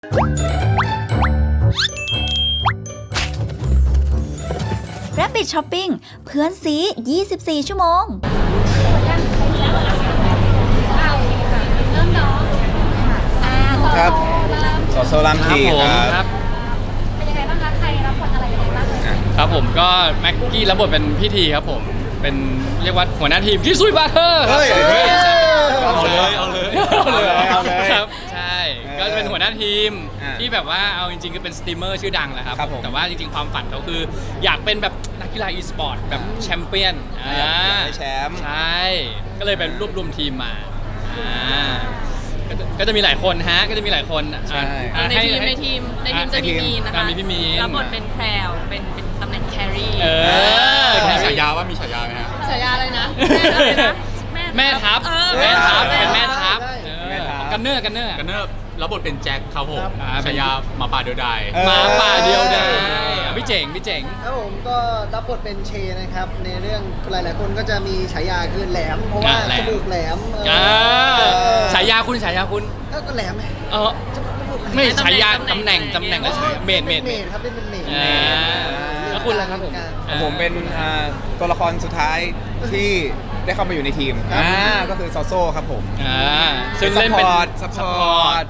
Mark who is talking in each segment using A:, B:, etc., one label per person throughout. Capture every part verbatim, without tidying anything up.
A: Rabbit Shopping เพื่อนซียี่สิบสี่ ชั่วโมง
B: ครับโซโซลัมทีครับ
C: เป็นยังไงบ้างคะใครรับบทอะไรยังไงบ้าง
D: ครับผมก็แม็กกี้รับบทเป็นพี่ทีครับผมเป็นเรียกว่าหัวหน้าทีมที่ซุยบาร์เทอร์ครับเอาเลยเอาเลยเอาเลยเอาเลยครับใช่ก็เป็นหัวหน้าทีมที่แบบว่าเอาจริงๆก็เป็นสตรีมเมอร์ชื่อดังแหละครับแต่ว่าจริงๆความฝันเขาคืออยากเป็นแบบนักกีฬาอีสปอร์ตแบบแชมเปี้ยน
B: อยากได้แชมป์
D: ใช่ก็เลยเป็นรวบรวมทีมมาก็จะมีหลายคนฮะก็จะมีหลายคน
E: ในทีมในทีมในทีมจะมีมีนนะคะ
D: มีพี่มีน
E: รับบทเป็นแพรวเป็นเป็นตำแหน่งแครี่
D: เออ
F: มีฉายาว่ามีฉายาไหมฮะ
E: ฉายาอะไรนะ
D: แม่ทัพแม่ทัพเป็นแม่ทัพกันเนอร์กันเนอร์
F: กันเนอร์รับบทเป็นแจ็คครับผมฉายาหมาป่าเดียวดาย
D: หมาป่าเดียวดายพี่เจ๋งพี่เจ๋ง
G: ครับผมก็รับบทเป็นเชนะครับในเรื่องหลายๆคนก็จะมีฉายาคือแหลมเพราะว่าจมูกแหลม
D: ฉายาคุณฉายาคุณ
G: ก็แหลมไหม
D: เออไม่ฉายาตำแหน่งตำแหน่งแล้วเมดเมด
G: เมดครับเป็นเมด
D: แล้วคุณล่ะครับผม
B: ผมเป็นตัวละครสุดท้ายที่ได้เข้ามาอยู่ในทีมอ่าก็คือโซโซครับผม
D: อ่าซึ่งเล่นเป็น
B: ซัพพอร์ต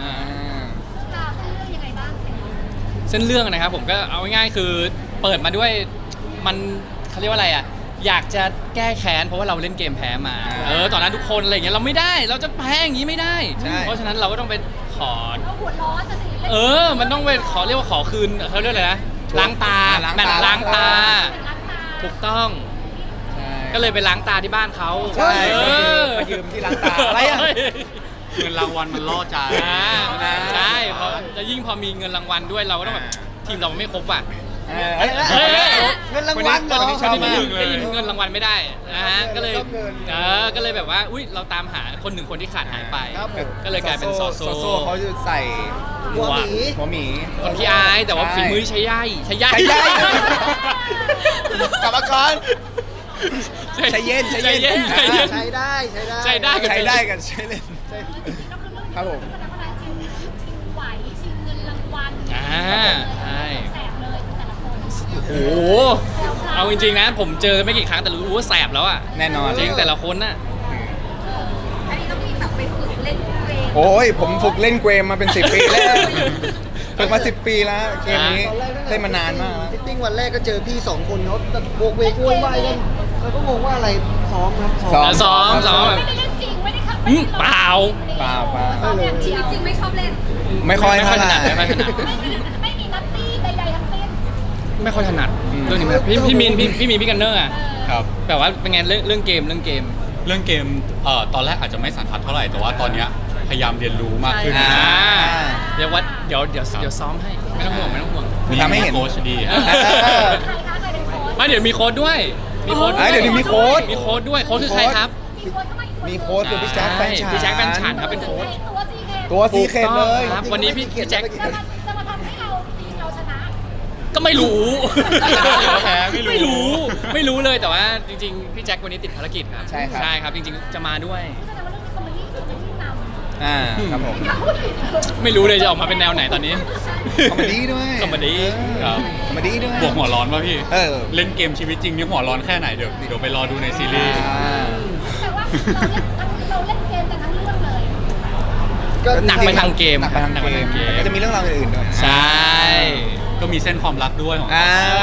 D: เส้นเรื่องนะครับผมก็เอาง่ายๆคือเปิดมาด้วยมันเขาเรียกว่าอะไรอ่ะอยากจะแก้แค้นเพราะว่าเราเล่นเกมแพ้มาเออตอนนั้นทุกคนอะไรอย่างเงี้ยเราไม่ได้เราจะแพ้อย่างนี้ไม่ได้เพราะฉะนั้นเราก็ต้องไปขอเออมันต้องไปขอเรียกว่าขอคืนเขาเรียกอะไรนะล้างตาแมตช์ล้างตาถูกต้องก็เลยไปล้างตาที่บ้านเขา
B: ใช่ไปยืมที่ล้างตาอะไรอ่ะ
F: เงินรางวัลมันล่อใจ
D: ใช่พอจะยิ่งพอมีเงินรางวัลด้วยเราก็ต้องแบบทีมเราไม่ครบอ่ะ
G: เงินรางวัลเหรอ
D: ได้ยินเงินรางวัลไม่ได้นะฮะก็เลยเออก็เลยแบบว่าอุ้ยเราตามหาคนหนึ่งคนที่ขาดหายไปก็เลยกลายเป็นโซโซ
B: โซเขาจะใส่
G: หัวหมี
B: หัวหมี
D: คนที่อายแต่ว่าฝีมือใช้ย่ายใช้ย่าย
B: กลับมาก่อนใช้เย็นใช้เย็น
G: ใช้ได้ใช้ได้
D: ใช้ได้
B: ใช้ได้กันใช้เล่นครับผม
C: ไหวชิงเงินรางวัล
D: อ่าใช่
C: แสบเลยแต่ละคน
D: โอ้โหเอาจริงๆนะผมเจอไม่กี่ครั้งแต่รู้ว่าแสบแล้วอ่ะ
B: แน่นอน
D: จริงแต่ละคนน่ะ
C: อันนี้ต้องมีแบบไปฝึกเล่นเกม
B: โอ้ยผมฝึกเล่นเกมมาเป็นสิบปีแล้วฝึกมาสิบปีแล้วเกมนี้เล่นมานานมาก
G: ฟิตติ้งวันแรกก็เจอพี่สองคนเขาโบกเวกวุ่นวายกันแล้วก็งงว่าอะไรซ้อมครับ
D: ซ้อมซ้อมซ้อม
C: ไม่ได้เล่นจริงไม่ได้ขับ
D: เปล่า
B: เปล่าเปล่า
C: ซ้อมแบบชีวิตจริงไม่ชอบเล่น
B: ไม่ค่อย
D: ถนัดไม่ค่อยถนัด
C: ไม่มีนัตตี้ใดๆทั้งสิ้น
D: ไม่ค่อยถนัดเรื่องนี้พี่พี่มีนพี่พี่มีพี่กันเนอร์อ่ะ
F: ครับ
D: แต่ว่าเป็นไงเรื่องเรื่องเกมเรื่องเกม
F: เรื่องเกมเอ่อตอนแรกอาจจะไม่สันทัดเท่าไหร่แต่ว่าตอนเนี้ยพยายามเรียนรู้มากขึ้น
D: เดี๋ยววัดเดี๋ยวเดี๋ยวเดี๋ยวซ้อมให้ไม่ต้องห่วงไม่ต้องห่วง
B: ทำให้เห็น
F: โค้ชดี
D: ไม่เดี๋ยวมีโค้ดด้วยมีโค้ด
B: เดี๋ยวมีโค้ด
D: มีโค้ดด้วยโค้ดคือใครครับ
B: มีโค้ดคือพี่แจ็คแฟนฉัน
D: พี่แจ็คแฟนฉันครับเป็นโค้ด
B: ตัวซีเคทเลย
D: ครับวันนี้พี่แจ็ค
C: จะมาทำให้เราทีมเราชนะ
D: ก็ไม่รู้ไม่รู้ไม่รู้เลยแต่ว่าจริงๆพี่แจ็ควันนี้ติดภารกิจครับ
B: ใช่ครับ
D: ใช่ครับจริงๆจะมาด้วย
B: อ่าครับผม
D: ไม่รู้เลยจะออกมาเป็นแนวไหนตอนนี้
B: คอมเมดี้ด้วย
D: คอมเมดี้
F: ครับ
B: คอมเมดี้ด้วย
F: บวกหัวร้อนป่ะพี่
B: เออ
F: เล่นเกมชีวิตจริงนี่หัวร้อนแค่ไหนเดี๋ยวเดี๋ยวไปรอดูในซีรีส์
C: แต่ว่าเราเล่นเราเล่นเกมกันทั้งเรื่องเลย
D: ก็หนักไปทางเกม
B: หนักไปทางเกมก็จะมีเรื่องราวอื่นๆด้วย
D: ใช่
F: ก็มีเส้นความรักด้วยของ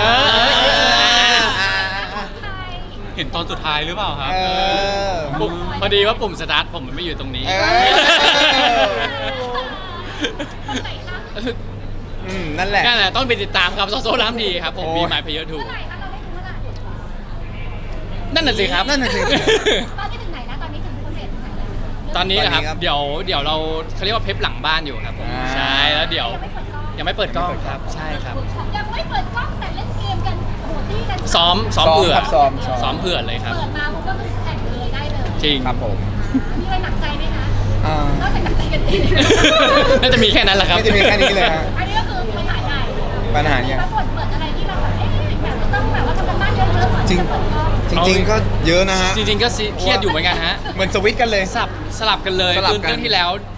F: เห็นตอนสุดท้ายหรือเปล่าครับ
D: พอดีว่าปุ่มสตาร์ทผมมันไม่อยู่ตรงนี้
B: นั่นแหละ
D: นั่นแหละต้องไปติดตามครับโซโซล้ำดีครับผมมีหมายเพย์ทูนั่นน่ะสิครับ
C: นั่นน่ะสิตอนนี้ถึงไหนนะตอนนี้ถึงโปรเซสไหน
D: ตอนนี้นะครับเดี๋ยวเดี๋ยวเราเขาเรียกว่าเพปหลังบ้านอยู่ครับผมใช่แล้วเดี๋ยวยังไม่เปิดกล้องครับใช่ครับ
C: ยังไม่เปิดกล้องแต่เล่นเกมกันโหดที่กัน
D: ซ้อมซ้อมเผื่อ
B: ซ้อม
D: ซ้อมเผื่อเลยครับ
C: เปิดมาผมก็คือแข่งเลยได้เลย
D: จริง
B: ครับผม
C: มีอะไรหนักใจไหมคะนอกจากหนักใจกันเอง
D: น่าจะมีแค่นั้นแหละครับ
B: น่าจะมีแค่นี้เลยฮะ
C: อันนี้ก็คือปัญหาใหญ่
B: ปัญหาใหญ่
C: แล้วบทเปิดอะไรที่เราแบบเอ๊ะแบบต้องแบบว่าทำกันบ้านเยอะๆก่อนจะเปิดกล้อง
B: จริงๆก็เยอะนะฮะ
D: จริงๆก็เครียดอยู่เหมือนกันฮะ
B: เหมือนสวิตกันเลย
D: สลับสลับกันเลยคือเรื่องที่แล้ว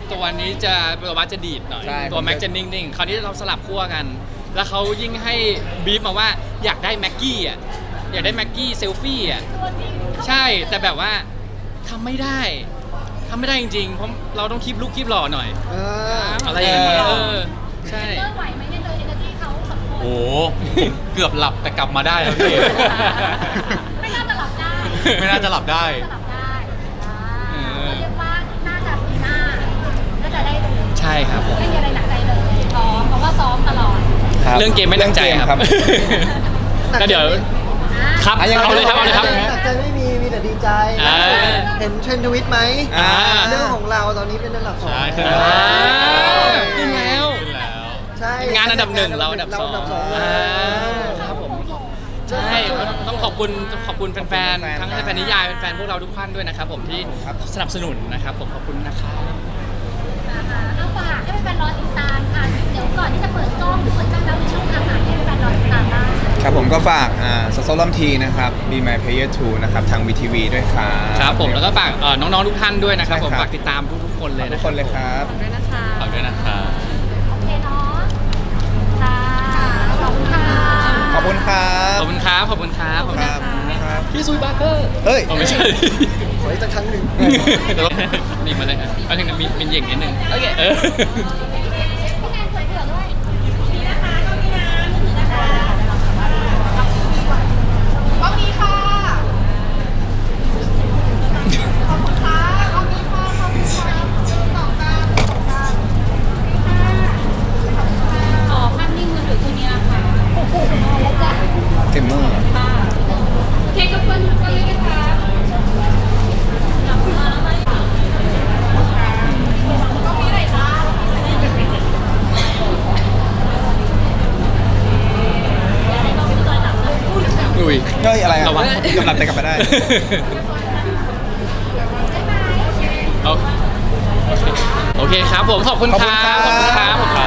D: ตัวนี้จะตัววัดจะดีดหน่อย
B: ใช่
D: ตัวแม็กจะนิ่งๆ คราวนี้เราสลับขั้วกัน แล้วเขายิ่งให้บีฟมาว่าอยากได้แม็กกี้อ่ะ อยากได้แม็กกี้เซลฟี่อ่ะ
C: ตัวจริงเขา
D: ใช่ แต่แบบว่าทำไม่ได้ทำไม่ได้จริงๆ เพราะเราต้องคีบลุกคีบหล่อหน่อย
G: เออ
D: อะไรอย่างเงี้ยเออ ใช่
C: เลิกไหวไหมเนี่ยเจอเอเนอร์จีเขาสองคน
F: โอ้โหผมเกือบหลับแต่กลับมาได้แล้วพี่
C: ไม่น่าจะหลับได้
F: ไม่น่าจะหลับได้
C: จะหลับได้อ่า
D: เออ
C: ก็เรียกว่าน่าจะปีหน้าน่าจะได้ดู
D: ใช่ครับผม
C: ไม่มีอะไรหนักใจเลยซ้อมเพราะว่าซ้อมตลอด
B: คบ
D: เรื่องเกมไม่หนักใจครับ
B: เองเกม
D: ก็เดี๋ยว
C: อ่ะ
D: ครับ
B: อ่ะยังไง
D: เอาเลยครับเอาเลยครับ
G: หนักใจไม่มี มีแต่ดีใจ
D: อ่า
G: เห็นเทรนด์ทวิตไหม
B: อ่า
G: เรื่องของเราตอนนี้เป็นอันดับสอง
F: ใช่ขึ้น
D: อ่า
F: แล้ว
D: ขึ้นแล้ว
F: ขึ้นแล้ว
G: ใช่
D: งานอันดับหนึ่งเราอันดับสอง
G: เราอันดับสองเล
D: อ่าย ครับผมใช่ต้องขอบคุณขอบคุณแฟนๆทั้งแฟนนิยายแฟนๆพวกเราทุกท่านด้วยนะครับผมที่
B: ครับ
D: สนับสนุนนะครับผมขอบคุณนะครับ
C: อ่าเอาฝากให้แฟนๆรอติดตามค่ะเดี๋ยวก่อนที่จะเปิดกล้องหรือเปิดกล้องแล้วในช่องทางไหนให้แฟนๆรอติดตามบ้าง
B: ครับผมก็ฝากอ่าโซโซลัมทีนะครับ Be My Player ทูนะครับ ทาง วี ที วี ด้วยครับ
D: ครับผมแล้วก็ฝากเอ่อน้องๆทุกท่านด้วยนะครับ
B: ใช่
D: ผม
B: ครับ
D: ฝากติดตามทุกๆคนเลย
B: ทุ
D: นะ
B: กคนเลยครับ
E: ด้วยนะคะ
F: ฝากด้วยนะครับ
C: โอเคเนาะค่ะขอบคุณค่ะ
B: ขอบคุณครั
D: ข
B: บ
D: อบคุณครับขอบคุณครับขอบคุณ
B: ค
D: ค
B: รั
D: รั
B: บบ ครับ
D: พี่ซุยบาร์เกอร์
B: เฮ้ย
D: อ๋อไม่ใช่
G: ขออีกสักครั้งหนึ่ง
D: เดี๋ยวมีมาเลยครับเอาถึงมีเป็นเหย่งนิดนึงโอเคเออ
C: พี่แนนเผื่อเผื่อด้วยนี่นะคะกล้องนี้นะมือถือนะคะกล้องนี้ค่ะขอบคุณค่ะกล้องนี้ค่ะขอบคุณค่ะต่อกันอ๋อภาพนิ่งมือถือตัวนี้นะคะโอ้โหแล้วจ้ะ
B: เกมเมอร์
C: ค่ะเค้กกับเพื่อนก็เลยนะคะกลับมาแล้วไหมกล้องนี้ไหนจ้า
D: อุ้ย
B: เฮ้ยอะไรอ่ะ
D: ระวัง
B: กำลังแต่กลับมาได้
D: เอาโอเคโอเคครับผมขอบคุณครับ
B: ขอบคุณครับ
D: ขอบคุณครับขอบคุณครับ